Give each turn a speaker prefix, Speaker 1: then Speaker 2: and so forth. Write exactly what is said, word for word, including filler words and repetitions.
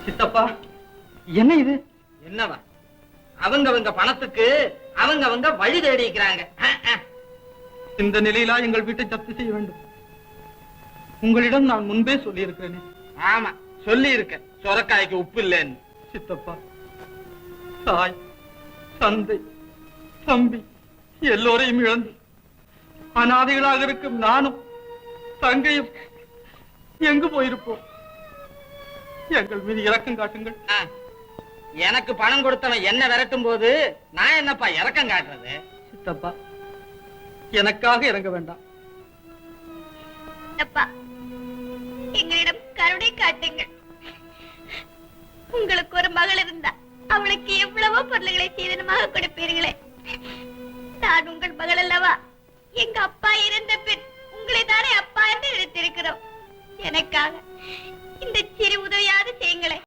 Speaker 1: சித்தப்பா, என்ன இது?
Speaker 2: என்னவா? அவங்க அவங்க பணத்துக்கு அவங்க அவங்க வழி தேடிக்கிறாங்க.
Speaker 1: இந்த நிலையிலா எங்கள் வீட்டை ஜப்தி செய்ய வேண்டும்? உங்களிடம் நான் முன்பே சொல்லி இருக்கிறேனே.
Speaker 2: ஆமா, சொல்லி இருக்க சொரக்காய்க்கு உப்பு இல்லைன்னு.
Speaker 1: சித்தப்பா, தாய், தந்தை, தம்பி எல்லோரையும் இழந்து அனாதைகளாக இருக்கும் நானும் தங்கையும் எங்கு போயிருப்போம்? எங்கள் மீது இரக்கம் காட்டுங்கள்.
Speaker 2: எனக்கு பணம் கொடுத்தவன் என்ன விரட்டும் போது நான் என்னப்பா இரக்கம் காட்டுறது?
Speaker 1: சித்தப்பா, எனக்காக இறங்க வேண்டாம்.
Speaker 3: எங்களிடம் கருணை காட்டுங்கள். உங்களுக்கு ஒரு மகள் இருந்தா அவளுக்கு எவ்வளவோ பொருள்களை சீதனமாக கொடுப்பீர்களே. நான் உங்கள் மகள் அல்லவா? எங்க அப்பா இறந்த பின் உங்களை தானே அப்பா என்று நினைத்திருக்கிறோம். எனக்காக இந்த சிறு உதவியாவது செய்யுங்களேன்.